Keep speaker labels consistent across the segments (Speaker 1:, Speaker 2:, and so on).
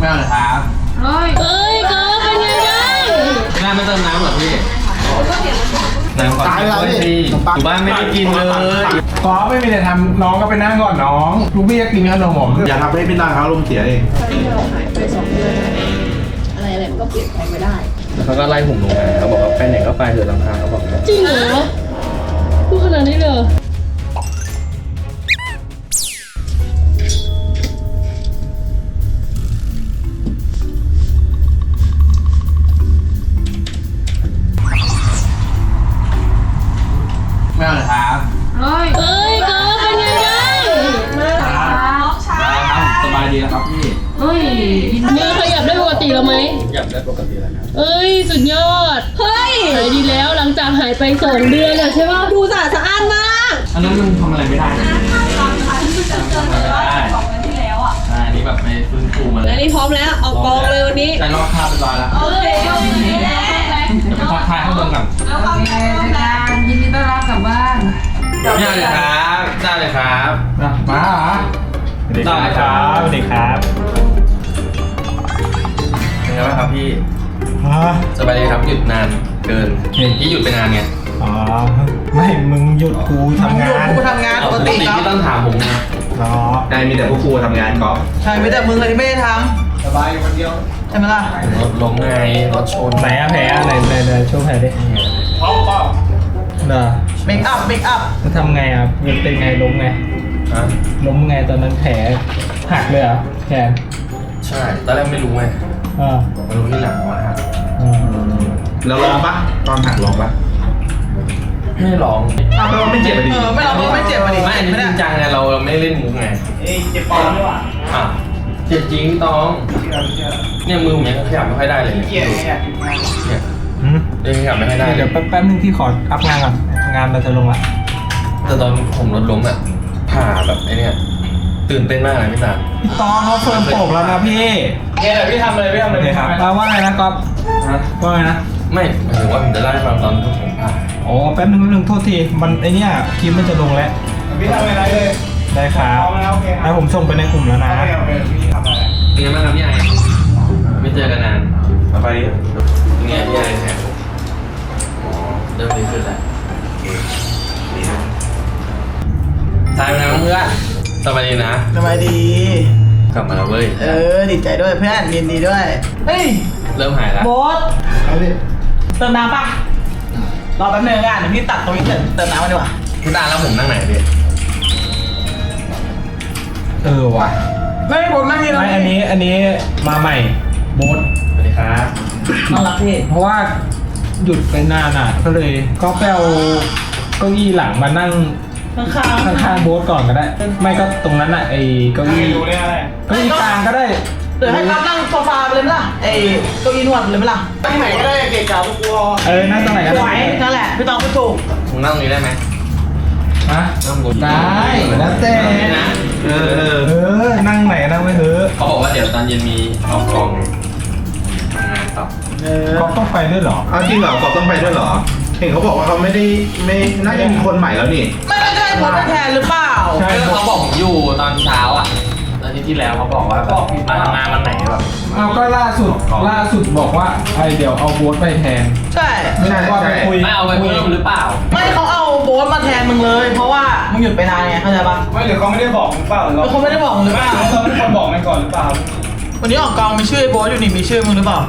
Speaker 1: ไม่เอาเลยครับ
Speaker 2: เอ้ยก็เป็นไงบ้าง
Speaker 1: แม่ไม่เติมน้ำเหรอพี่น้ำก่อนตายแล้วพี่อยู่บ้านไม่ได้กินเลย
Speaker 3: ก็ไม่มีอะไรทำน้องก็ไปนั่งก่อนน้องลูกพี่จะกินขนมผม
Speaker 4: อย่าทำให้พี่นางเขาลมเสียเอง
Speaker 2: เราหายไป2 เดือนอะไรมันก็เปลี่ยนแปลงไปได้
Speaker 1: แล้วเขาก็ไล่ผมลงมาเขาบอกว่าไปไหนก็ไปเถอะลำคาญเขาบอก
Speaker 2: จริงเหรอพูดขนาดนี้เลย
Speaker 1: ไม่เอาเลยครับ
Speaker 2: เอ้ยก็เป็นไงบ้าง
Speaker 1: สบายดีแล้วครับพี่
Speaker 2: มือขยับได้ปกติแล้วไหม
Speaker 1: ขยับได้ปกติแล้วครับ
Speaker 2: สุดยอดหายดีแล้วหลังจากหายไป2 เดือนอะใช่ป่ะดูสะอาดมาก
Speaker 1: อันนั้นมันทำอะไรไม่ได้อันนี้แบบไปฟื้นฟูมาเลย
Speaker 2: อันนี้พร้อมแล้วออกกองเลยวันนี้
Speaker 1: ได้รอบคาบเรียบร้อยแล้วจะไปทักทายข้างบนก่อน
Speaker 5: ยินดีต้อนรับกลับบ้าน
Speaker 1: ได้เลยครับได้เลยครับ
Speaker 3: มาเหรอ
Speaker 1: ได้ครับ
Speaker 3: สวัสดีครับ
Speaker 1: เป็นไงบ้างครับพี่สบายดีครับหยุดนานเกินพี่หยุดไปนานไง
Speaker 3: อ๋อไม่มึงหยุดกูทำงาน
Speaker 5: กูทำงานปกติครับ
Speaker 1: ที่ต้องถามผมนะ
Speaker 3: อ๋อ
Speaker 4: ได้มีแต่พวกครูทำงานก๊อฟ
Speaker 5: ใช่ไม่แต่มึงเลยที่ไม่ได้ท
Speaker 3: ำสบายคนเดียว
Speaker 5: ำใช่ไหมล่ะ
Speaker 1: รถล้มไงรถชน
Speaker 3: ไหนอะแผลอะไรช่วยแผลดิป๊อปเหรอ
Speaker 5: เมคอัพ
Speaker 3: จะทำไงอ่ะเป็นไงล้มไงล้มไงตอนนั้นแผลหักเลยเหรอแขน
Speaker 1: ใช่ตอนแรกไม่รู้ไงมารู้ที่หลังว่าหัก
Speaker 4: แล้วร้องปะตอนหักร้องปะ
Speaker 1: ไม่ร้อง
Speaker 4: ไม่เจ็บดิ
Speaker 5: ไม่ร้องไม่เจ็บดิ
Speaker 1: ไม่อันนี้จริงจังไงเราไม่เล่นมุกไง
Speaker 3: เจ็บปอดด้วยว่ะ
Speaker 1: เจ็บจริงพี่ตองเนี่ยมือผมยังขยับไม่ค่อยได้เลยเนี่ยยังขยับไม่ค่อยได้
Speaker 3: เดี๋ยวแป๊บนึงที่ขออัพงานก่อนงานเราจะลงละ
Speaker 1: แต่ตอนผมรถล้มอ่ะผ่าแบบไอ้นี่ตื่นเต้นมากเลยพี่ตา
Speaker 3: ตองเขาเฟิร์มโปกแล้วนะพี่
Speaker 1: พี่ทำเลย
Speaker 3: ครับว่าไงนะก๊อฟว่าไงนะ
Speaker 1: ไม่หมายถึงว่าผมจะไล่ฟังตอนที่ผมผ่า
Speaker 3: อ๋อแป๊บนึงโทษทีมันไอเนี้ยคลิปมันจะลงแล้วพี่ทำอะไรเลยได้ครับให้ผมส่งไปในกลุ่มแล้วนะ
Speaker 1: เป็นไงบ้างครับพี่ไอไม่เจอกันนาน
Speaker 4: สบายดี
Speaker 1: เป็นไงพี่ไอเนี่ยเริ่มดีขึ้นแล้วสายไปนะเพื่อนสบายดีนะ
Speaker 5: สบายดี
Speaker 1: กลับมาแล้วเว้ย
Speaker 5: ดีใจด้วยเพื่อนยินดีด้วยเฮ้ย
Speaker 1: เริ่มหายแล้ว
Speaker 5: โบ๊ทเติมน้ำป่ะรอแป๊บนึงอ่ะเดี๋ยวพี่ตัดตรงนี้เติมน้ำมาดีกว่า
Speaker 1: พี่ตาแล้วผมนั่งไหนพี่
Speaker 3: ว่ะ
Speaker 5: ไม่ผมนั่งนี่แล้ว
Speaker 3: ไม่อันนี้มาใหม่โบ๊ท
Speaker 1: สวัสดีครับ
Speaker 5: น่ารักพี่
Speaker 3: เพราะว่าหยุดไปนานอ่ะก็เลยก็ไปเอาเก้าอี้หลังมานั่งข้างโบ๊ทก่อนก็ได้ไม่ก็ตรงนั้นอ่ะไอ้เก้าอี้กลางก็ได้
Speaker 5: เดี๋ยวให้เขานั่งโซฟาไปเลยไหมล่ะไอ้เก้าอี้นวดเลยไหมล่ะนั่งไหนก็ได้เก๋ๆพวกกู
Speaker 3: นั่งตรงไหนก็ได้
Speaker 5: นั่นแหละพี่ต้องพูดถูก
Speaker 1: มึงนั่งตรงนี้ได้ไหม
Speaker 3: นั่งบนได้แล้วแต่นั่งไหนนั่งไม่เถอะ
Speaker 1: เขาบอกว่าเดี๋ยวตอนเย็นมีออกกองทำงานต่อ
Speaker 3: ก็ต้องไปด้วยเหรอ
Speaker 4: จริงเหรอกอบต้องไปด้วยเหรอเห็นเขาบอกว่าเขาไม่น่าจะมีคนใหม่แล้วนี่
Speaker 5: ไม่ได้คนมาแทนหรือเปล่า
Speaker 1: ใช่เขาบอกผมอยู่ตอนเช้าอ่ะอาทิตย์ที่แล้วเขาบอกว่ามาทำงานวันไหนแบบ
Speaker 3: ก็ล่าสุดบอกว่าเดี๋ยวเอาโบ๊ทไปแทน
Speaker 5: ใช่
Speaker 3: ไม่ได้ว่าไปคุย
Speaker 1: ไม่เอาไปเพิ่มหรือเปล่า
Speaker 5: ไม่เขาเอาโบ๊ทมาแทนมึงเลยเพราะว่ามึงหยุดไปนานไงเข้าใจปะ
Speaker 3: ไม่หรือเขาไม่ได้บอกหรือเปล่า
Speaker 5: เขาไม่ได้บอกหรือเปล่า
Speaker 3: เขาเป็นคนบอกมันก่อนหรือเปล่า
Speaker 5: วันนี้ออกกองมีชื่อโบ๊ทอยู่นี่มีชื่อมึงหรือเปล่า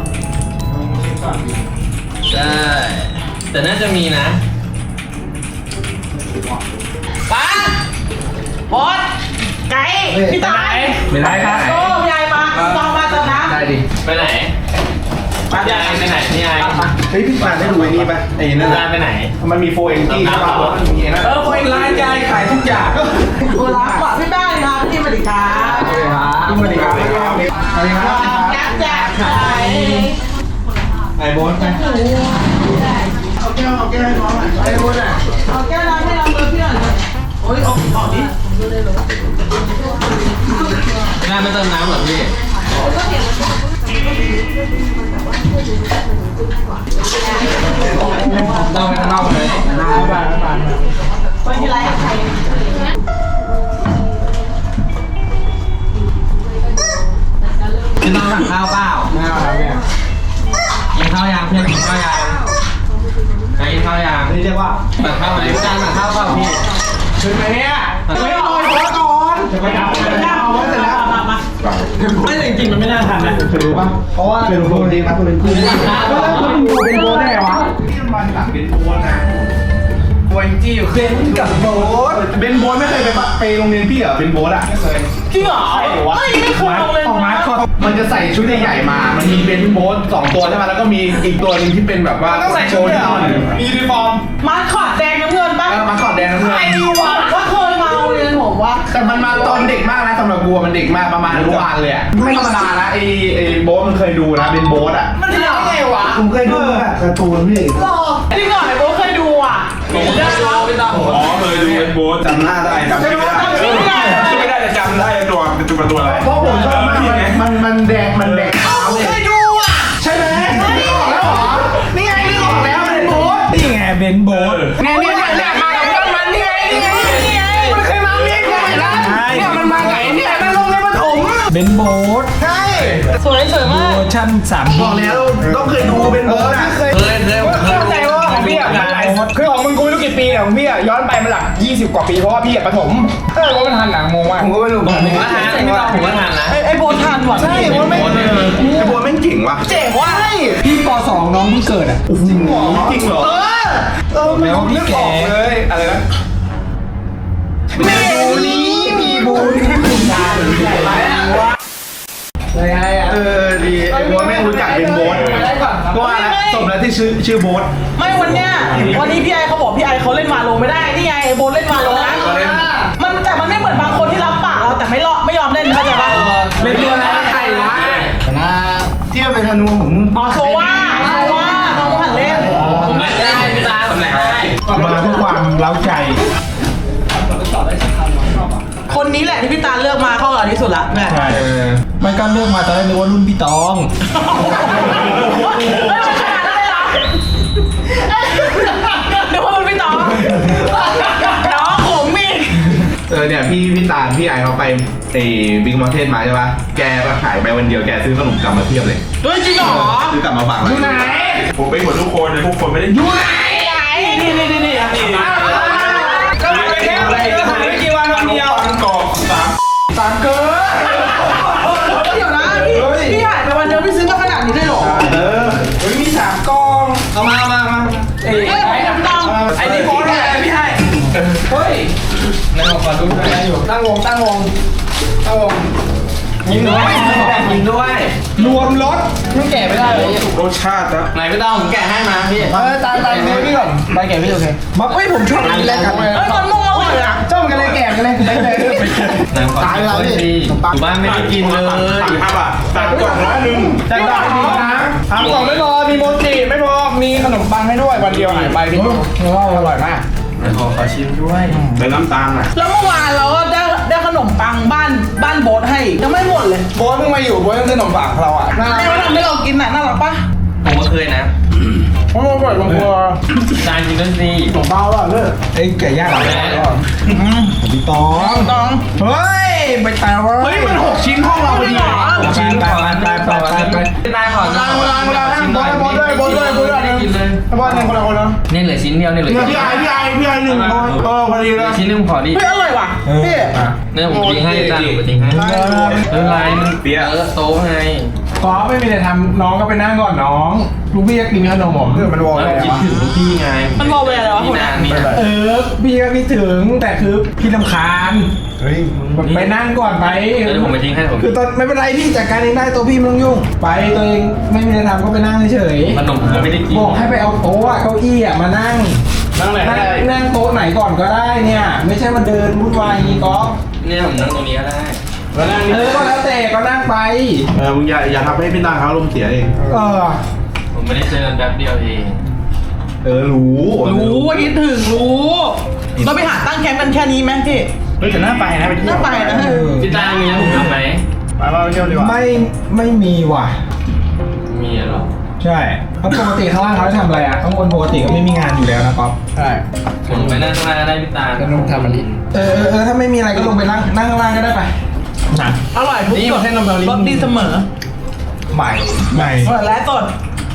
Speaker 1: ใช่แต่น่าจะมีนะ
Speaker 5: ป้าโบ๊ทไก่พี่ตาย
Speaker 3: ไม่ได้ครับ
Speaker 5: โอ้ยายมาตองมาตอนนะ
Speaker 1: ได้ดิไปไหนพี่ไอไปไหนพี่ไอ
Speaker 4: เฮ้ยพี่ปานได้ดูไอ้นี่ปะไอ้นั่น
Speaker 1: ไปไหน
Speaker 4: มันมีโฟเอ็นจี้ใช่ป่ะ
Speaker 3: โฟเอ็นร้านยายขายทุกอย่าง
Speaker 5: โอ้ร้านก่อนพี่แป้งครับพี่มาดิครับ
Speaker 3: พี่มาดิครับสวัสดีครับ
Speaker 5: แก๊สแจ๊กไข่
Speaker 3: ไอ้โบ๊ทไป
Speaker 5: เอาแก้วให้น้องหน่อยไอ้โบ๊ทอ่ะเอาแก้วน้ำให้น้องเพื่อนโอ้ยออกดิ
Speaker 1: แม่ไม่เติมน้ำเหรอพี่เราไปข้างนอกเลย
Speaker 5: ไปที่ไรใคร
Speaker 1: พี่ต้องสั่งข้าวเปล่า
Speaker 3: ไม่เอาครับเนี่ย
Speaker 1: กินข้าวยางเพื่อนกินข้าวยางไปกินข้าวยาง
Speaker 4: นี่เรียกว่า
Speaker 1: สั่งข้าวไหมพี่สั่งข้าวเปล่าพี่
Speaker 3: ขึ้นไหมเนี่ย
Speaker 5: ไม่ลอยหัวก่อน
Speaker 3: จะไปเอาเลย
Speaker 5: เอาไว้เสร็จแล้ว
Speaker 1: ไม่จริงๆมันไม่น่าทันนะ
Speaker 4: เคยรู้ป่ะเพราะว่าเป็นโบดีครับเป็นคู่แล้วคุณโบเป็นโบได้วะที่มันหลังเป็นโบนะโบจริงๆเคยกับโบเป็นโบไม่เคยไปโรงเรียนพี่เหรอเป็นโบอ่ะไม่เคย
Speaker 5: จริงเหรอไม่เคยลงเลย
Speaker 3: ของมาร์คคอร์
Speaker 4: มันจะใส่ชุดใหญ่ๆมา มันมีเป็นโบส2ตัวใช่ไหมแล้วก็มีอีกตัวนึงที่เป็นแบบว่าต้องใส่ชุดเหรอมียูนิฟอร์ม
Speaker 5: มาขอดแดงน้ำเงินปะ
Speaker 4: มาขอดแดงน้ำเงิน
Speaker 5: ไอ้วะก็เคยมาเรียนผมว่า
Speaker 4: แต่มันมาตอนเด็กมากนะสำหรับกูมันเด็กมากประมาณอนุบาลเลยอะไม่ธรรมดานะไอ้โบสมันเคยดูนะเป็นโบสอะ
Speaker 5: มันจะยังไงวะ
Speaker 4: ผมเคยดูการ์ตูนพี่
Speaker 5: หรอจริงเหรอไอ้โบเคยดูอ่ะ
Speaker 1: ผมได้แล้วพี่ต้อง
Speaker 6: อ๋อเคยดูเป็นโบ๊ท
Speaker 4: จำหน้าได้จำไม่ได้
Speaker 6: ไม่ได้แต่จำได้ตัวเป็นตัวอะไร
Speaker 4: เพราะผมชอบมากมันแดงขาวเลย
Speaker 5: เคยดูอ่ะ
Speaker 4: ใช่ไหมนึกออกแล้วเหรอนี่ไงนึกออกแล้วเป็นโบส
Speaker 3: นี่ไงเบนโบ๊ท
Speaker 4: เนี่ยมากับเพื่อนมันนี่ไงมันเคยมาเรียกกูอีกแล้วเนี่ยมันมาไงเนี่ยมันลงในปฐม
Speaker 3: เบนโบ๊ท
Speaker 4: ใช่
Speaker 5: สวยมาก
Speaker 3: เวอร์ชั่น3
Speaker 4: บอกแล้วต้องเคยดูเป็นโบสนะเคย
Speaker 1: เคยผมเคย
Speaker 4: เข้าใจว่าของพี่อ่ะมันหลายคือของมึงกูไม่รู้กี่ปีแต่ของพี่อ่ะย้อนไปมันหลัก20 กว่าปีเพราะว่าพี่อ่ะปฐมว่ามันทันหนังงงมากผมก็ไม่รู้
Speaker 1: ผมก็ทันพี่ต้องผมก็ทันนะ
Speaker 5: ไอ้โบทันว่ะ
Speaker 4: ใช่ว่าไม่ไอ้บัวแม่งเก่งว่ะ
Speaker 5: เจ๋งว่ะ
Speaker 3: พี่ป .2 น้องเพิ่งเกิดอ่ะ
Speaker 4: จริงเหรอจริงเหรอไม่รู้พี่แกเลยอะไรนะมีบุญมีบุญคุณทานใหญ่ไหมดีไอ้โบ๊ทไม่รู้จักเป็นโบ๊ทก็ว่าแล้วสมแล้วที่ชื่อโบ๊ท
Speaker 5: ไม่วันเนี้ยวันนี้พี่ไอเขาบอกพี่ไอเขาเล่นมาโลไม่ได้นี่ไงไอ้โบเล่นมาโลนะมันแต่มันไม่เหมือนบางคนที่รับปากเราแต่ไม่ยอมเล่นเข้าใจปะ
Speaker 4: เป็นตัวอะไรใครวะนะที่มันเป็นธนูผม
Speaker 5: อ๋อโซว่าน้องหันเล่น
Speaker 1: ผมไม่ได้พี่ตาผมไหนได้
Speaker 3: มาเพื่อความเล้าใจ
Speaker 5: คนนี้แหละที่พี่ตาเลือกมาเข้ากับที่สุดละแม่
Speaker 3: ใช่ไม่ก็เลือกมาตอนแรกนึกว่ารุ่นพี่ตอง
Speaker 5: เดี๋ยวมันไม่ตอบน้องผมอีก
Speaker 4: เนี่ยพี่ตาลพี่ไอเขาไปบิ๊กมอเทนมาใช่ปะแกก็ขายไปวันเดียวแกซื้อขนมกลับมาเพียบเลย
Speaker 5: เฮ้ยจริงเหรอ
Speaker 4: ซื้อกลับมาฝากอยู่ไหน
Speaker 6: ผมไปหมดทุกคนเลยทุกคนไม่ได้ยุ่ง
Speaker 5: นี่ก็ไปแค่อะไรไม่กี่วันเดียว
Speaker 6: กอกสาม
Speaker 4: เกิน
Speaker 5: เดี๋ยวนะพี่หายไปวันเดียวพี่ซื้อมาขนาดนี้ได้หรอ
Speaker 4: มี3 กอง
Speaker 1: เอามา
Speaker 5: เอ้ยผมต้อง
Speaker 4: ไอ้นี่โพสต์อะไรพี่ให้เฮ้ย
Speaker 1: ในของขอดูได้อยู่
Speaker 4: ตั้งวง
Speaker 1: ยิงด้วย
Speaker 4: รวมรถมันแก่ไม่ได้เลย
Speaker 6: รสชาตินะ
Speaker 1: ไหนพี่ต้องผมแกะให้มาพี่
Speaker 4: ตายเนื้อพี่ก่อนไปแก่พี่โอเคมาเฮ้ยผมชอบกินแล้วกันเลย
Speaker 5: เฮ้ยมันม่วงอร่อยอ่ะ
Speaker 4: ชอบกันเลยแก่กันเลยไปเลย
Speaker 1: ไหนขอดูดิอยู่บ้านไม่ได้กินเลย
Speaker 6: 3 บาท3 กล่อง100
Speaker 4: จัดได้ดีนะ3 กล่องไม่พอมีโมจิไม่พอมีขนมปังให้ด้วยวันเดียวหายไปพี่อร่อยมาก
Speaker 1: ขอชิมด้วย
Speaker 6: เป็นน้ำตาลอ่ะ
Speaker 5: แล้วเมื่อวานเราก็ได้ขนมปังบ้านโบ๊ทให้ยังไม่หมดเลย
Speaker 4: โบ๊ทเพิ่งมาอยู่โบ๊ทยังซื้อขนมปังเราอ่ะน่า
Speaker 5: แม่ว่าทำให้เรากินน่ะน่ารักปะ
Speaker 1: ผมก็เคยนะ
Speaker 4: อร่อยบางตัว
Speaker 1: จานกินด้วยสิ
Speaker 4: ขนมเบาอ่ะเลิก
Speaker 3: ไอ้ไก่ย่างพี่ตอง
Speaker 5: ต้อง
Speaker 3: เฮ้ยไปตายว่า
Speaker 4: เฮ้ยมัน6 ชิ้นห้องเราพอดี
Speaker 1: ชิ้นขอไปได้ขอชิ้นหน่อยไม่ได้กินเลย
Speaker 4: บอลหนึ่งคนละคนนะ
Speaker 1: นี่เหลือชิ้นเดียวนี่เหลือ
Speaker 4: พี่ไอ1พอดีเลย
Speaker 1: ชิ้นนึงขอดิ
Speaker 5: เฮ้ยอร่อยว่ะพี่
Speaker 1: เนี่ยผมทิ้งให้จานผมทิ้งให้ไม่เป็นไรมันโต๊ะไง
Speaker 3: ก็ไม่มีอะไรทำน้องก็ไปนั่งก่อนน้องลูกพี่ก็กินขนมผม
Speaker 4: มันวอล
Speaker 1: แล้ว
Speaker 4: เลย
Speaker 1: คิดถึงลูกพี่ไง
Speaker 5: มันบอกเวลาอะไรวะ
Speaker 1: นี่นานนี่นะ
Speaker 3: พี่ก็คิดถึงแต่คือพี่ลำคาญ
Speaker 4: เฮ้ย
Speaker 3: ไปนั่งก่อนไป
Speaker 1: เดี๋ยวผมไปทิ้งให้ผม
Speaker 3: คือตอนไม่เป็นไรพี่จัดการเองได้ตัวพี่ไม่ต้องยุ่งไปตัวเองไม่มีอะไรทำก็ไปนั่งเฉย
Speaker 1: ขนมผมไม่ได้กิน
Speaker 3: บอกให้ไปเอาโต๊ะอะเก้าอี้อะมานั่ง
Speaker 4: นั่งไหนได้
Speaker 3: นั่งโต๊ะไหนก่อนก็ได้เนี่ย ไม่ใช่มาเดินวุ่นวายอย่างนี้ก๊อฟ
Speaker 1: เนี่ยผมนั่งตรงนี้ก็ได้
Speaker 3: ก็แล้วแต่ก็นั่งไป
Speaker 4: มึงอย่าทำให้พี่นางเขาลมเสียเอง
Speaker 1: ผมไม่ได้เจอกันแป๊บเดียวเอง
Speaker 4: รู้
Speaker 5: ว่าคิดถึงรู้เราไปหาตั้งแคมป์กันแค่นี้ไหมพี่
Speaker 4: เฮ้ยแต่น่าไปนะไปเที่ยว
Speaker 5: น่าไปนะ
Speaker 1: พี่ตามีนะผมทำไหม
Speaker 4: ไปเที่ยวดีกว่า
Speaker 3: ไม่มีว่ะ
Speaker 1: มีเหรอ
Speaker 3: ใช่เพราะปกติข้างล่างเขาจะทำอะไรอ่ะข้างบนปกติก็ไม่มีงานอยู่แล้วนะก๊อฟ
Speaker 4: ใช่
Speaker 1: ผมไปนั่งข้างล่างก็ได้พี่ตา
Speaker 4: ก็ต้องทำมันดิ
Speaker 3: ถ้าไม่มีอะไรก็ลงไปนั่งข้างล่างก็ได้ไปนะ
Speaker 5: อร่อยทุก
Speaker 3: นี่
Speaker 5: ร
Speaker 3: ประเทศนมเบลลิ
Speaker 5: สดีเสมอ
Speaker 4: ใหม่
Speaker 5: เปิดไลฟ์สด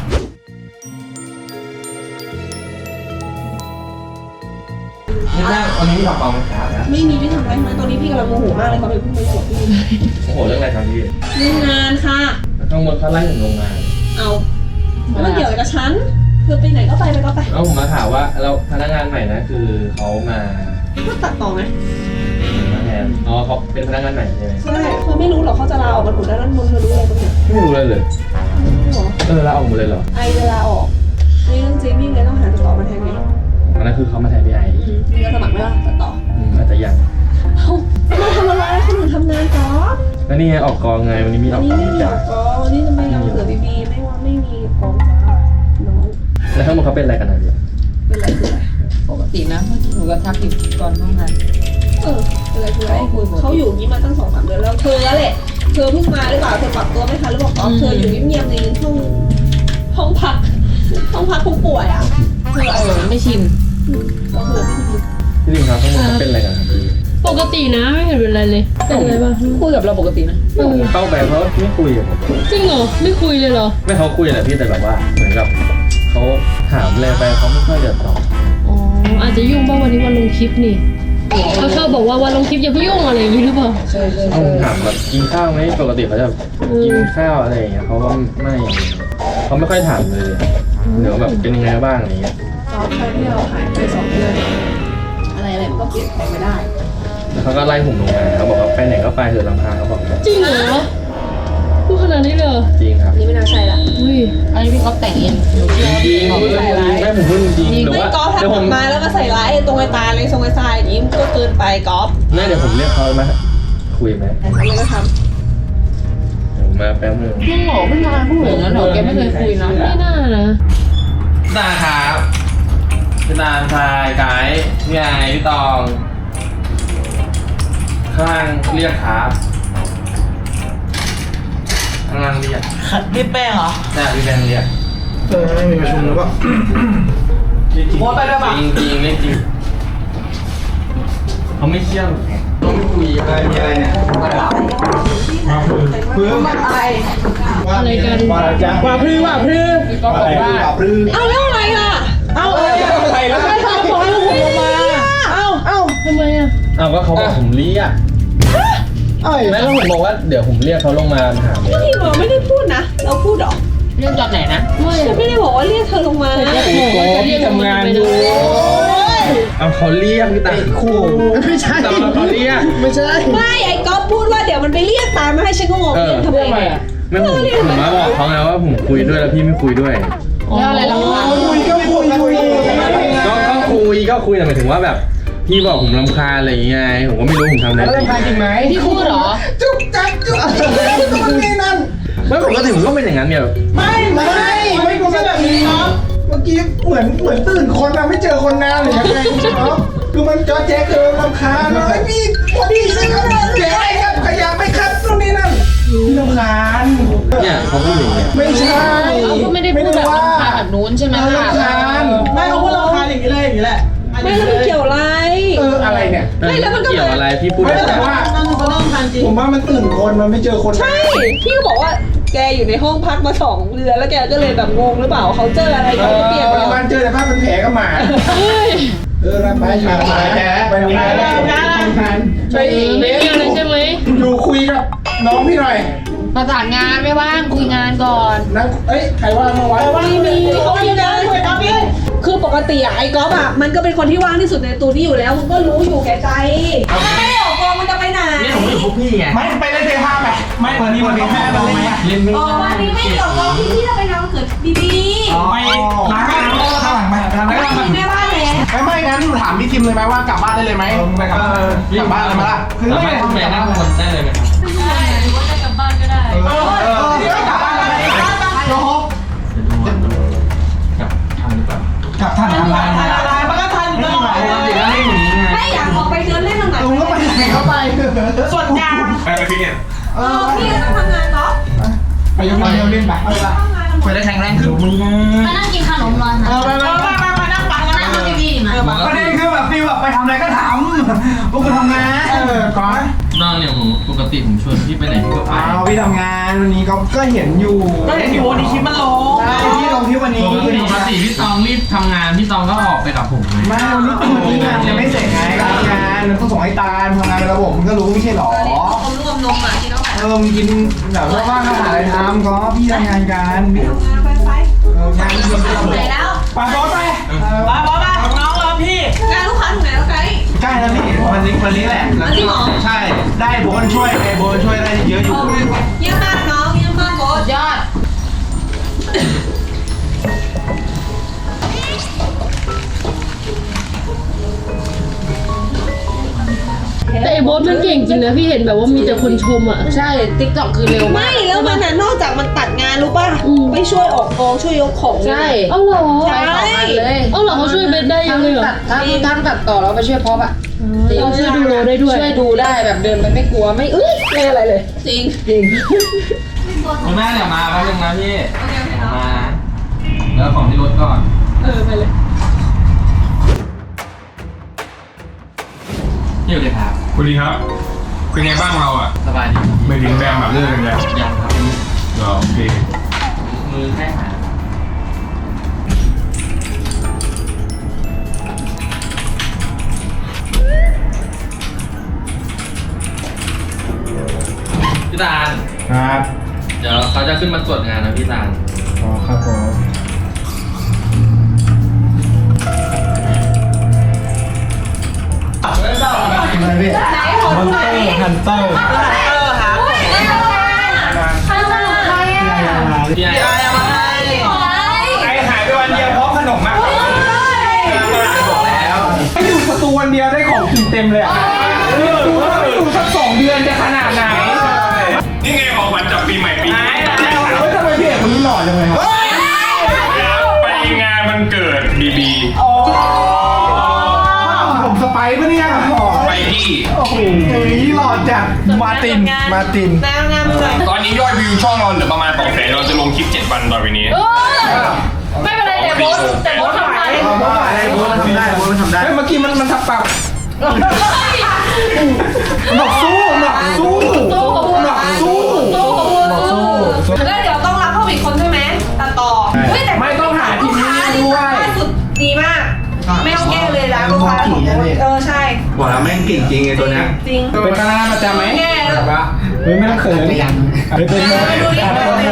Speaker 1: นี่แม่วันนี้ทำเปล่าไหมครับ
Speaker 2: ไม่มีพี่ทำอะไรมาตอนนี้พี่กำลังโมโหมากเลยเขาไปพูดไปบอกพี่
Speaker 1: โอ้โหเรื่องอะไรครับพี่
Speaker 2: เรื่องงานค่ะ
Speaker 1: ข้างบนเขาไล่ผมลงมา
Speaker 2: เอาแล้วมันเกี่ยวอะไรกับฉันเธอไปไหนก็ไปก็ไป
Speaker 1: แล้วผมมาถามว่าเราพนักงานใหม่นะคือเขามา
Speaker 2: ก็ตัดต่อไหม
Speaker 1: แทนอ๋อเขาเป็นพนักงานใหม่ใช่ไหม
Speaker 2: ใช่เธอไม่รู้หรอกเขาจะลาออกกันหมดแล้วนั่นมนเธอรู้อะไรบ้างเนี่ย
Speaker 1: ไม่รู้เลยเลย
Speaker 2: ไม่รู้หรอ
Speaker 1: ลาออกหมดเลยเหรอ
Speaker 2: ไอจะลาออกนี่เรื่องจริงพี่เลยต้องหาตัดต่อมาแทนไง
Speaker 1: อันนั้นคือเขามาแทนพี่ไอ
Speaker 2: พี่ก็สมัครไม่ล่ะตัดต่อ
Speaker 1: อาจจะยัง
Speaker 2: เอ้ามาทำอะไรคนอื่นทำงานก่อน
Speaker 1: แล้วนี่ไงออกกองไงวันนี้มีอ
Speaker 2: วั
Speaker 1: อน ก
Speaker 2: นี้
Speaker 1: กอง
Speaker 2: ไม่มี
Speaker 1: จ้ะ
Speaker 2: กองวันนี้จะไม่เอาเสือบีบีไม่ว่าไม่มีกองจ้าน้อง
Speaker 1: แล้วทั้งหมดเขาเป็นอะไรกันนะพี่
Speaker 2: เป็นไรคืออะไร
Speaker 7: ปกตินะเมื่อกี้หนูก็ทักอยู่ก่อนห้องงาน
Speaker 2: เป็นไรคืออะไรเขาอยู่อย่างนี้มาตั้ง2-3 เดือนแล้วเธอแหละเธอเพิ่งมาหรือเปล่าเธอปรับตัวไม่ทันหรือเปล่าอ๋อเธออยู่เงียบๆในห้องพักผู้ป่วยอ่ะเธอ
Speaker 7: ไม่ชิน
Speaker 2: เราเธอไม่ดี
Speaker 1: พี่ลิงครับทั้งหมดเขาเป็นอะไรกันครับพี่
Speaker 2: ปกตินะไม่เห็นเป็นไรเลยเป็นอะไรบ้าง
Speaker 7: คุยกับเราปกตินะ
Speaker 1: ผมเข้าไปเพราะไม่คุยกับผม
Speaker 2: จริงเหรอไม่คุยเลยเหรอ
Speaker 1: ไม่เขาคุยแหละพี่แต่แบบว่าเหมือนกับเขาถามอะไรไปเขาไม่ค่อยจะตอบ
Speaker 2: อ๋ออาจจะยุ่งบ้างวันนี้วันลงคลิปนี่เขาชอบบอกว่าวันลงคลิปอย่าเพิ่งยุ่งอะไรอย่างนี้หรือเปล่า
Speaker 7: ใช่ใช่
Speaker 1: เขาถามแบบกินข้าวไหมปกติเขาจะกินข้าวอะไรอย่างเงี้ยเขาว่าไม่เขาไม่ค่อยถามเลยเดี๋ยวแบบเป็นยังไงบ้างอะไรเงี้ย
Speaker 2: ตอนที่เราหายไป2 เดือนอะไรมันก็เปลี่ยนแปลงไม่ได้
Speaker 1: แล้วเขาก็ไล่ผมลงมาเขาบอกว่าไปไหนก็ไปเถอะลำพังเขาบอกแบบ
Speaker 2: จริงเหรอพูดขนาดนี้เลย
Speaker 1: จริงครับ
Speaker 2: นี่ไม่น่าใช่ละอุ้ย
Speaker 7: อันนี้พี่ก๊อฟแต่งเองหนูเชื่อว่า
Speaker 1: จริ
Speaker 7: พี่
Speaker 1: ง
Speaker 7: ก๊อฟใส่ร้าย
Speaker 1: ไม่ผมพูดจริงหรือ
Speaker 2: ไม่
Speaker 1: ว่าก
Speaker 2: อล์ฟ
Speaker 1: เดี๋ยว
Speaker 2: ทำ
Speaker 1: ผ
Speaker 2: อ
Speaker 1: ม
Speaker 2: อกมาแล้วมาใส่ร้ายตรงไอ้ตาเลยทรงไอ้ทรายอย่างนี้มันก็เกินไปกอล์ฟ
Speaker 1: น่าเดี๋ยวผมเรียกเขามาคุยไหม
Speaker 2: อะไรก็ท
Speaker 1: ผมมาแป๊บนึง
Speaker 7: พี่หมอเพิ่งมาพูดอย่างนั้นเหรอแกไม่เคยคุยนะ
Speaker 2: ำไม่น่านะ
Speaker 1: ตาครับพี่ตาชายไก่พี่ไอพี่ตองข้างล่างเรียกครับข้างล่างเรียก
Speaker 5: ขัดพี่แป้งเหรอ
Speaker 1: แต่พี่แบงค์เรียก
Speaker 4: ไม่มีประชุมแล้วก็
Speaker 5: โบทไปด้วย
Speaker 1: จ
Speaker 5: ป่ะ
Speaker 1: ริงจริงไม่จริงเขาไม่เชื่อเขาไม่คุย
Speaker 4: อะไรมีอะไรเนี่ยเพื่อ
Speaker 5: อะไร
Speaker 2: อะไรกัน
Speaker 4: ว่าอะไรจ๊ะ
Speaker 5: ว่าพรือ
Speaker 7: พี่ก๊อฟบอกว่า
Speaker 4: ว่าพรือ
Speaker 2: เอาแล้วอะไรล่ะ
Speaker 5: เอาอะไร
Speaker 4: อะไรแล้ว
Speaker 5: ไม่ทำบอกให้ผมลงมาเอา
Speaker 2: ทำไมอ่ะ
Speaker 1: อ้าวก็เขาบอกผมเรียก
Speaker 4: ไอ้
Speaker 1: แม่ก็ผมบอกว่าเดี๋ยวผมเรียกเขาลงมาถามเลย
Speaker 2: พี่บอกไม่ได้พูดนะเราพูดหรอ
Speaker 7: เรื่องตอนไหนนะ
Speaker 2: ฉันไม่ได้บอกว่าเรียกเธอลงมา
Speaker 3: พี่ทำงานอยู่
Speaker 1: เอาเขาเรียกพี่ตา
Speaker 4: คู่ไม่ใช่
Speaker 1: ตอนเขาเรียก
Speaker 4: ไม่ใช่
Speaker 2: ไม่ไอ้ก๊อฟพูดว่าเดี๋ยวมันไปเรียกตามมาให้ฉันก็งงเรียกทำไมอ่ะ
Speaker 1: ไม่ผมมาบอกเขาไงว่าผมคุยด้วยแล้วพี่ไม่คุยด้วย
Speaker 7: แล้วอะไรรำคาญ
Speaker 4: คุยก็คุย
Speaker 1: ก็คุยแต่หมายถึงว่าแบบพี่บอกผมรำคาญอะไรอย่างเงี้ยผมก็ไม่รู้ผมทำอะไร
Speaker 4: แล้ว
Speaker 1: ผิด
Speaker 4: ทำจริงไหม
Speaker 7: พี่พูดเหรอ
Speaker 4: จุ๊บจับจุ๊บคนนี้นั่น
Speaker 1: ไม่ปกติผมก็เป็นอย่างนั้นเนี่ย
Speaker 4: ไม่กูไม่แบบนี้เนาะเมื่อกี้เหมือนตื่นคนอะไม่เจอคนนานหรือยังไงเนาะคือมันจอแจ๊กเกินรำคาญเนาะไอ้พี่พอดีใช่ไหมแกไอ้ครับขยะไม่ครับตรงนี้นั่นรำคาญ
Speaker 1: เนี่ยเขาพูดอย่างเงี้ย
Speaker 4: ไม่ใช่
Speaker 7: เขาก็ไม่ได้พูดแบบรำคาญแบบนู้นใช่ไหม
Speaker 4: รำคาญ
Speaker 5: ไม่เขาพูดรำคาญอย่างนี้เลยอย่างนี้แหละ
Speaker 2: ไม่แล้วมันเกี่ยวอะไร
Speaker 4: อะไรเนี่ย
Speaker 2: ไม่แล้วมันก็
Speaker 1: เกี่ยวอะไรพี่พูด
Speaker 4: ไม่แต่ว่า
Speaker 5: นั่นเขารำคาญจริง
Speaker 4: ผมว่ามันตื่นคนมันไม่เจอคน
Speaker 2: ใช่ พี่ก็บอกว่าแกอยู่ในห้องพักมา2 เดือนแล้วแกก็เลยแบบงงหรือเปล่าเขาเจออะไรเขาเปลี่ยนไป
Speaker 4: บ้านเจอแต่ผ้าเป็นแผลก็มารับไปมาไปทำงานไปอีกเบส
Speaker 2: อะไรใช่ไหม
Speaker 4: อยู่คุยกับน้องพี่หน่อย
Speaker 7: ประสานงานไม่ว่างคุยงานก่อน
Speaker 4: นั่งใครว่างมาไว้
Speaker 2: มีเขามีนะคือปกติอะไอ้ก๊อฟอะมันก็เป็นคนที่ว่างที่สุดในตัวนี้อยู่แล้วมึงก็รู้อยู่แก่ใจมันไม่ได้ออกกองมันจะไปไหน
Speaker 1: เนี่ยผมอยู่พวกพี่ไง
Speaker 4: ไม่ไปเล่นเทห้าไปไม่วันนี้วันนี้แม่เราไหม
Speaker 1: เล่นไม่
Speaker 2: อ๋อวันนี้ไม่ได้ออกกองพี่จะไปงานวันเกิดบีบี
Speaker 4: ไปล้างข้างหลังไปทำแล้ว
Speaker 2: แม่บ้านแล้ว
Speaker 4: ไม่งั้นถามพี่ทิมเลยไหมว่ากลับบ้านได้เลยไหมไปกลับบ้านกลับบ้านเลยไหมล่ะคือ
Speaker 1: สามารถแม่นั่งคนได้เลยไหมครับ
Speaker 2: หรือว่าจะกลับบ้านก็ได้
Speaker 4: กลับบ้านเลยโยก
Speaker 1: กับทันหรือเปล่า
Speaker 4: กับท่านทำงาน
Speaker 5: อะไรมันก็ทันตลอด
Speaker 2: ไม่อยากออกไปเดินเล่นทางไหน
Speaker 4: ลุงก็ไปไหนก็ไป
Speaker 5: ส่วนกลาง
Speaker 6: ไปพี่เนี่ย
Speaker 2: พี่ก็ต้องทำงานก๊อฟ
Speaker 4: ไปยกมือเล่นไป
Speaker 1: คุยได้แข็งแรงขึ้นมึง
Speaker 8: มานั่งกินขนมรอค่ะ
Speaker 4: ไป
Speaker 5: มานั่งฟังแล้ว
Speaker 8: นั่งดูทีวีมา
Speaker 4: ประเด็นคือแบบฟีลแบบไปทำอะไรก็ทำพวกกูทำงานก่อน
Speaker 1: นอกเนี่ยผมปกติผมชวนพี่ไปไหนพี่ก็ไป
Speaker 4: เอาพี่ทำงานานวันนี้ก็เห็นอยู่
Speaker 5: ก็เห็นอยู่วันนี้คลิปมันลง
Speaker 4: ใช่ที่ลงที่วันนี้
Speaker 3: ปกติพี่ตองรีบทำงานพี่ตองก็ออกไปกับผมไง
Speaker 4: ไม่วันนี้งานยังไม่เสร็จไงงานมันต้องส่งให้ตาลทำงานเป็นระบบมันก็รู้ไม่ใช่หรอ
Speaker 2: ตอนนี้ต้องรวมนมอ่ะที่น้องแพร
Speaker 4: มึงกินแบบว่างๆก็หาอะไรทำก็พี่ทำงานกัน
Speaker 2: ทำงานไป
Speaker 4: งานเยอะ
Speaker 2: ถึงไหนแล้ว
Speaker 4: ไปบอสไป
Speaker 5: มาบอสมาน้องรอพี่
Speaker 2: งานลูกค้าถึงไหนแล้วไกด์
Speaker 4: ใกล้แล้วนี่วันนี้แหละ
Speaker 2: จริงเหรอ
Speaker 4: ใช่ได้โบนช่วยโบนช่วยได้เยอะอยู่
Speaker 2: เยี่ยมมากน้องเยี่ยมมากโค้ช
Speaker 7: ยอด
Speaker 9: แต่ไอ้โบ๊ทมันเก่งจริงนะพี่เห็นแบบว่ามีแต่คนชมอ่ะ
Speaker 7: ใช่ติ๊กต็อกคือเร็วมาก
Speaker 2: ไม่แล้วมันน่ะนอกจากมันตัดงานรู้ป่ะไปช่วยออกกองช่วยยกของ
Speaker 7: ใช่
Speaker 9: เอ้าเหรอ
Speaker 2: ใช่
Speaker 7: เลย
Speaker 9: เอ้าเหรอเขาช่วยเบนได้ยังเลยเหรอ
Speaker 7: ทั้งตัดต่อแล้วไปช่วยพอปอะ
Speaker 9: เราช่วยดูโลได้ด้วย
Speaker 7: ช่วยดูได้แบบเดินไปไม่กลัวไม่ไม่อะไรเลย
Speaker 2: จริง
Speaker 3: คุณแม่เดี๋ยวมาแป๊บนึงนะพี่
Speaker 2: โอเคเนาะ
Speaker 3: มาแล้วของที่รถก่อน
Speaker 2: ไปเลย
Speaker 3: นี่เลยครับ
Speaker 6: คุณดีครับเป็นไงบ้างเราอ่ะ
Speaker 3: สบายดี
Speaker 6: ไม่ถึงแบมแบบเลิกกันแล้ว
Speaker 3: ยังครับ
Speaker 6: เหรอโอเค
Speaker 3: มือแค่หาพี่ตาล
Speaker 4: ครับ
Speaker 3: เดี๋ยวเขาจะขึ้นมาตรวจงานนะพี่ตาล
Speaker 4: อ๋อครับผมอะไรพี่
Speaker 2: ไหนขอ
Speaker 3: มอน
Speaker 2: ดูห
Speaker 3: เต
Speaker 2: น่
Speaker 3: อ
Speaker 2: อย
Speaker 3: ร์ฮันเตอร์
Speaker 5: หา
Speaker 8: ใครสนุกใครอ่ะ
Speaker 3: พี่ไอ้
Speaker 4: ไอหายไปวันเดียวเพราะขนมมากบอกแล้วไออยู่สตูวันเดียวได้ของกินเต็มเลยอ่ะดูว่าไปอยู่สัก2 เดือนจะขนาดไหน
Speaker 6: นี่ไงของขวัญจากปีใหม่ปีนี้
Speaker 4: เฮ้ยทำไมพี่เอกคนนี้หล่อจังเลยครับ
Speaker 6: ไปงานมันเกิดบีบี
Speaker 4: ผมสไปร์ปะเนี่ย
Speaker 6: ไปที่
Speaker 4: โอ้โหหล่อจัดมาติน
Speaker 2: แนวงามเลย
Speaker 6: ตอนนี้ยอดวิวช่องเราเหลือประมาณ200,000เราจะลงคลิป7 วันต่อไปนี้
Speaker 7: ไม่เป็นไรแต่โบ๊ททำได้
Speaker 4: โบ๊ททำได้โบ๊ททำได้เมื่อกี้มันทับปากบอกสู้บอกสู้บอกสู้บอกสู้
Speaker 2: แล้วเดี๋ยวต้องรับเพิ่มอีกคนใช่ไหมตัดต่อเฮ้ยแต่
Speaker 4: ไม่ต้องหาทีมนี้ด้วย
Speaker 2: ล่าสุดดีมาก ไม่ต้องแก้เลยนะลูกค้าของใช่
Speaker 6: บอกแล้วแม่งเก่งจริงไอ้ตัวเนี้ย
Speaker 2: จริง
Speaker 4: เป็นคณะประจำไหม
Speaker 2: แก้แล้ว
Speaker 4: เฮ้ยไม่ต้องเขินเป็นโม
Speaker 2: ดูดิ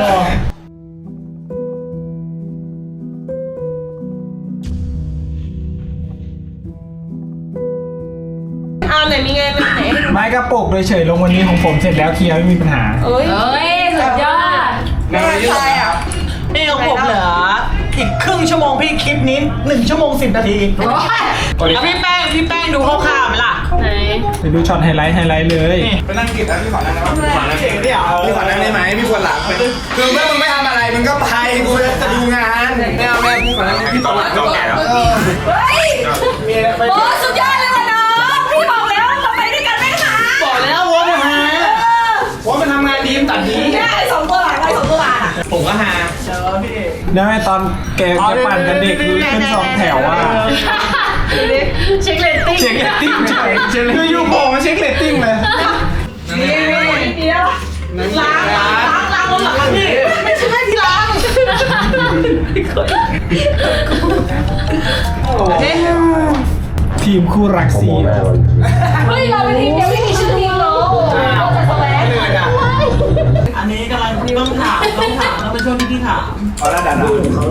Speaker 2: ไหนมีไงมันไหน
Speaker 4: ไม้กระปุกเลยเฉยลงวันนี้ของผมเสร็จแล้วเคลียร์ไม่มีปัญหา
Speaker 2: เอ้ย
Speaker 7: สุดยอด
Speaker 2: ไม่ใช่อ่ะ
Speaker 5: นี่ของผมเหลืออีกครึ่งชั่วโมงพี่คลิปนี้1 ชั่วโมง 10 นาทีแล้วพี่แป้งดูคร่าวๆไหมล่ะ
Speaker 9: ไหน
Speaker 3: ไปดูช็อตไฮไลท์เลย
Speaker 4: ไปนั่งกินแล้วพี่ขอนั่งได้ไหมพี่ขอนั่งได้ไหมพี่ปวดหลังคือเมื่อมึงไม่ทำอะไรมึงก็ไปกูจะดูงานไม่เอาพี่ขอนั่งพี่ต่อหลัง
Speaker 6: ก็แก่แล้ว
Speaker 2: เฮ้ยโอ้สุดยอดเลยว่ะน้องพี่บอกแล้วเราไปด้วยกันไหมคะ
Speaker 4: บอกแล้วว่ามันหาว่ามันทำงานดีมันตัดดี
Speaker 2: ไอ้2 ตัวหลังไอ้2 ตัวหลัง
Speaker 3: ผมก็หา
Speaker 4: แล้วไอ้ตอนแกปั่นกันเด็กขึ้น2 แถวว่า
Speaker 9: เช็คเรตติ้ง
Speaker 4: เช็คเรตติ้งเฉยคืออยู่โผล่มาเช็คเรตติ้งเลย
Speaker 2: เดี๋ยวล้างบนหลังพี่ไม่ใช่ที่ล้าง
Speaker 4: ทีมคู่รักซี
Speaker 2: เฮ้ยเราเป็นทีมเดียวไม่มีชื่อทีมเราเราจะแสวง
Speaker 5: อันนี้กำลังต้องถามแล้วเป็นช่วงที่พี่ถาม
Speaker 4: เอาละดัน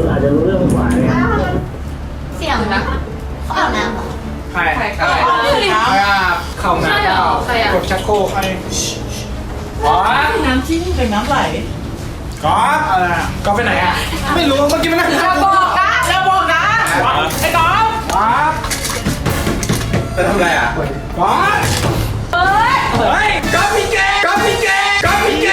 Speaker 8: เสียงนะเขาอาบน้ำเหรอ
Speaker 4: ใครเข้าน้ำกดชักโครกอ๋อ
Speaker 5: น้ำชิ้นเป็นน้ำไหล
Speaker 4: ก๊อฟก๊อฟไปไหนอ่ะไม่รู้เมื่อกี้มันนั่ง
Speaker 2: อย่าบอกนะอย่าบอกนะไอ้กอล์ฟ
Speaker 4: ก๊อฟจะทำอะไรอ่ะก๊อฟ
Speaker 2: เฮ้ย
Speaker 4: เฮ้ยก๊อฟพี่เจก๊อฟพี่เจก๊อฟพี่เจ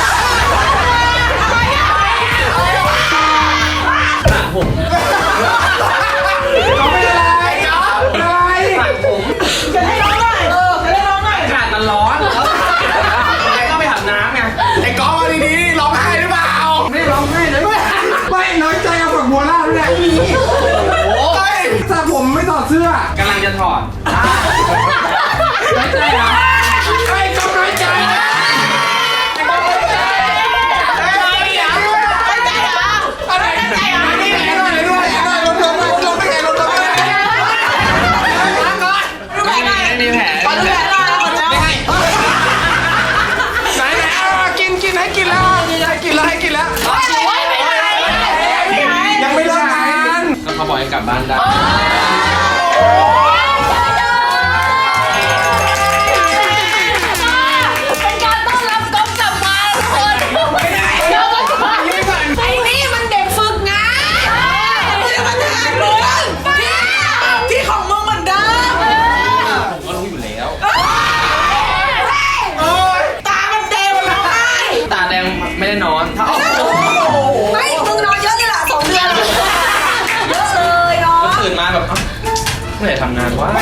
Speaker 4: ก๊อฟไม่อะไรก๊อฟอะไร
Speaker 5: จะให้ร้องหน่อยจะให้ร้องหน่อย
Speaker 4: อากาศมันร้อนไอ้ก็ไปอาบน้ำไงไอ้ก๊อฟเอาดีๆร้องไห้หรือเปล่าไม่ร้องไห้เลยไม่น้อยใจเอาฝักบัวล่าด้วยโอ้ยแต่ผมไม่ถอดเสื้อก
Speaker 3: ำลังจะถอด
Speaker 4: น้อยใจเหรอไอ้ก๊อฟน้อยใจไอ้ก๊อฟน้อยใจ
Speaker 1: งไม่ได้นอนถ้าออก
Speaker 2: ไม่มึงนอนเยอะเลยล่ะ2 เดือนเยอะเลยเนาะ
Speaker 1: ก็ตื่นมาแบบเมื่อไหร่ทำงานวะ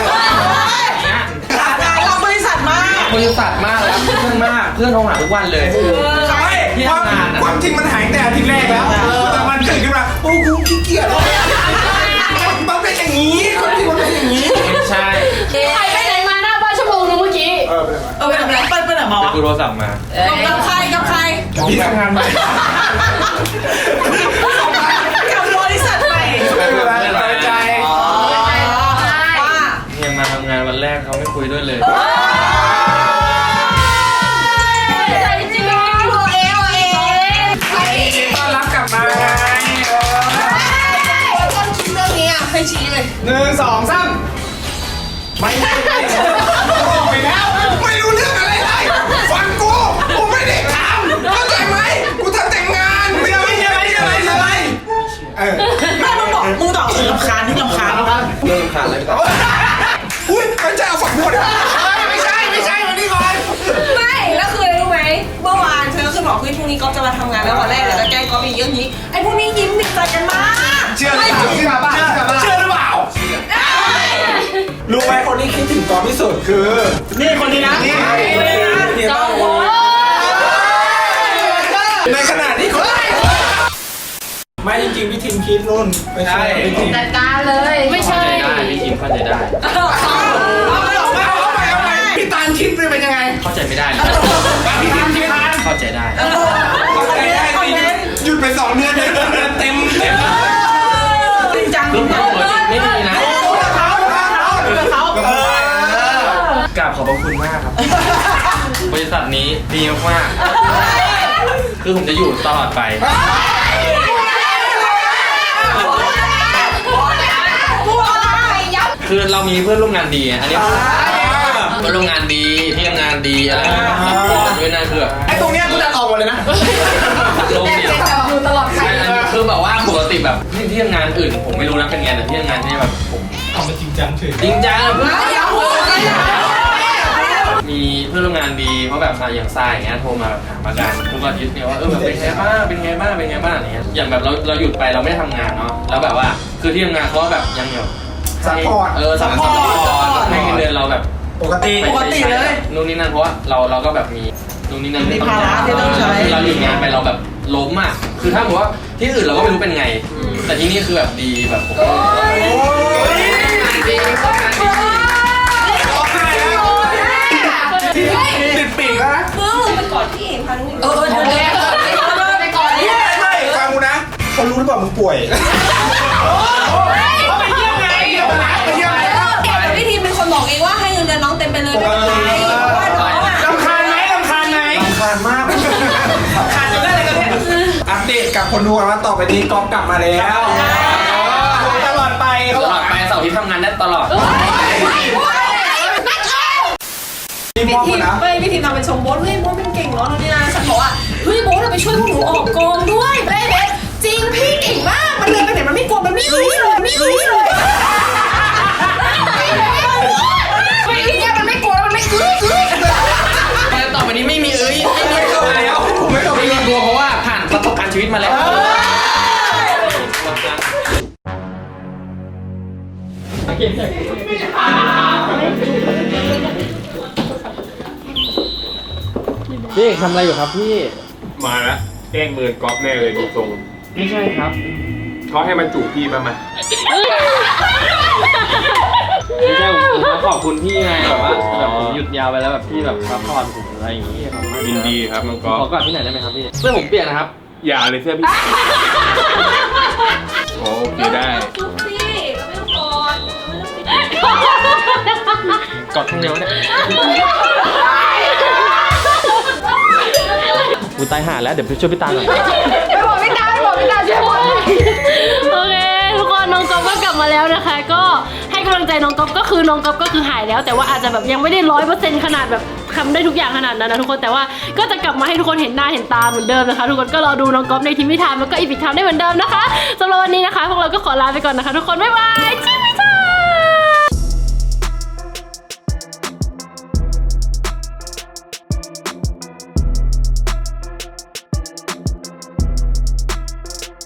Speaker 5: รับบริษัทมาก
Speaker 1: บริษัทมากแล้วเพื่อนมากเพื่อนโทรหาทุกวันเลย
Speaker 4: ใช่ความจริงมันหายแต่อาทิตย์แรกแล้วแต่มันตื่นขึ้นมาโอ้กูขี้เกียจมันเป็นอย่างนี้ความจริงมันเป็นอย่างนี้
Speaker 1: ไม่ใช่
Speaker 7: ใครไปไหนมาหน้าบ้านชั่วโมงนึงเมื่อกี้
Speaker 5: ไปทำอะไรไปไหนมาวะ
Speaker 1: กูโทรศัพท์มา
Speaker 2: กับใคร
Speaker 4: พี่ทำงานใหม่
Speaker 5: กับบริษัทใหม่
Speaker 4: ไม่เป็นไรสบายใจ
Speaker 2: ว่า
Speaker 1: ยังมาทำงานวันแรกเขาไม่คุยด้วยเลย
Speaker 7: ใจจริง
Speaker 4: ต้อนรับกลับมาไง
Speaker 2: ต้นคิดเรื่องนี้ให้ชี้เลย
Speaker 4: 1 2 3ไม่ได้บอกไปแล้วไม่รู้เรื่องอะไรเลยฟังกูไม่ได้ทำเข้าใจไหมกูทำแต่งงานไม่ได้อะไร
Speaker 5: ไม่มึงบอกรำคาญที่รำคาญ
Speaker 1: เริ่มขาดเลย
Speaker 4: อุ้ยไม่ใช่เอาฝักบัวไม่ใช่วันนี้ก่อน
Speaker 2: ไม่แล้วคืออะไรรู้ไหมเมื่อวานเธอคือบอกเฮ้ยพรุ่งนี้ก๊อฟจะมาทำงานแล้ววันแรกแล้วแกล้งก๊อฟอีกเยอะนี้ไอ้พวกนี้ยิ้มติดใจกันมาก
Speaker 4: เชื่อหรือเปล่าเชื่อหรือเปล่ารู้ไหมคนที่คิดถึงกอที่สุดคือ
Speaker 5: นี่คนนี้นะ
Speaker 7: จอมพล
Speaker 4: ในขณะที่คนไม่จริงๆพี่ทิมคิดนู่นไม่ใช่พี่ทิม
Speaker 7: จัดการเลยไม่ใช่
Speaker 1: เข้าใจได้พี่ทีมเข้าใจได้
Speaker 4: เอาไปพี่ตาลคิดเป็นยังไง
Speaker 1: เข้าใจไม่ได้
Speaker 4: พี่ทิมคิด
Speaker 1: เข้าใจได้
Speaker 4: หยุดไป2 เดือนเต็ม
Speaker 5: จริงจัง
Speaker 1: รุ่นเราไม่ดีนะกราบขอบพระคุณมากครับ บริษัทนี้ดีมากๆคือผมจะอยู่ตลอดไป คือเรามีเพื่อนร่วมงานดีไงอันนี้เพื่อนร่วมงานดีที่ทำงานดีอะไรซัพพอร์ตด้วยนะคือแบบ
Speaker 4: ไอ้ตรงเนี้ยกูจะออกหมดเลยนะ
Speaker 1: ลมเนี่ย
Speaker 7: อยู่ตลอดไป
Speaker 1: คือแบบว่าปกติแบบที่ทำงานอื่นผมไม่รู้นะเป็นไงแต่ที่ทำงานที่แบบผม
Speaker 3: เอามาจริงจังเฉย
Speaker 1: จริงจังมีเพื่อนร่วมงานดีเพราะแบบอย่างทรายอย่างเงี้ยโทรมาแบบถามอาการทุกอาทิตย์เนี่ยว่าแบบเป็นไงบ้างอะไรเงี้ยอย่างแบบเราหยุดไปเราไม่ได้ทำงานเนาะแล้วแบบว่าคือที่ทำงานเขาแบบยังแบบ
Speaker 4: ซัพพอร์ต
Speaker 1: ซัพพอร์ตให้เงินเดือนเราแบบ
Speaker 4: ปกติ
Speaker 1: เลยนู่นนี่นั่นเพราะว่าเราก็แบบมีนู่นนี่นั่น
Speaker 5: มีภาระที่ต้องใช้
Speaker 1: เราหยุดงานไปเราแบบล้มอ่ะคือถ้าบอกว่าที่อื่นเราก็ไม่รู้เป็นไง แต่ที่นี่คือแบบดีแบบผม
Speaker 4: ติดปีกแล้วนะ
Speaker 2: มึงไปกอดพี่เองพานุ้ย
Speaker 7: เดี๋ยวไปก่อนนี่
Speaker 4: ไม่ฟังกูนะเขารู้หรือเปล่ามึงป่วย
Speaker 5: เขาไปเยี่ยมไง
Speaker 2: แต่พี่ทีมเป็นคนบอกเองว่าให้เงินเดือนน้องเต็มไปเลยไม่เป็นไรเพราะว่าน้องอ่ะ
Speaker 4: รำคาญมากขาดจนได้เลยกันเนี่ยอัปเดตกับคนดูกันว่าต่อไปนี้ก๊อฟกลับมาแล้วตลอดไป
Speaker 1: ตลอดไปเสาร์อาที่ทำงานได้ตลอด
Speaker 2: พี่ทีมพี่ทีมทำเป็นชมโบ๊ทเฮ้ยโบ๊ทเป็นเก่งเนาะนี่นะฉันบอกว่าเฮ้ยโบ๊ทเราไปช่วยพวกหนูออกกองด้วยเบ๊ะจริงพี่เก่งมากมันเลยไปไหนมันไม่กลัวมันไม่อื้อเลยไม่อื้อเลยมันไม่กลัวมันไม่อื้อ
Speaker 1: แต่ต่อไปนี้ไม่มีไม่มีตัวแล้วไม่มีตัวเพราะว่าผ่านประสบการณ์ชีวิตมาแล้วพี่เอกทำอะไรอยู่ครับพี่
Speaker 6: มาแล้วแกล้งเมินก๊อฟแน่เลยดูทรง
Speaker 1: ไม่ใช่ครับ
Speaker 6: เขาให้มันจูบพี่ป่ะมา
Speaker 1: ไม่ใช่ผมมาขอบคุณพี่ไงแบบว่าแบบผมหยุดยาวไปแล้วแบบพี่แบบซัพพอร์ตผมอะไรอย่างงี้ครับ
Speaker 6: ยินดีครับน้องก๊อฟ
Speaker 1: ขอกอดที่ไหนได้ไหมครับพี่เสื้อผมเปียกนะครับ
Speaker 6: อย่าเลยเสื้อพี่โอเคได้
Speaker 2: ซุปซี่เราไม่ต้องกอด
Speaker 1: กอดข้างเดียวเนี่ยกูตายห่าแล้วเดี๋ยวไปช่วยพี่ตาหน่อย
Speaker 7: ไปบอกพี่ตาช่วยพูดโอเคทุกคนน้องก๊อฟก็กลับมาแล้วนะคะ ก็ให้กำลังใจน้องก๊อฟก็คือน้องก๊อฟก็คือหายแล้ว แต่ว่าอาจจะแบบยังไม่ได้100%ขนาดแบบทำได้ทุกอย่างขนาดนั้นนะทุกคนแต่ว่าก็จะกลับมาให้ทุกคนเห็นหน้าเห็นตาเหมือนเดิมนะคะทุกคนก็รอดูน้องก๊อฟในทีมพิธามแล้วก็อีพิกทามได้เหมือนเดิมนะคะสำหรับวันนี้นะคะพวกเราก็ขอลาไปก่อนนะคะทุกคนบ๊ายบาย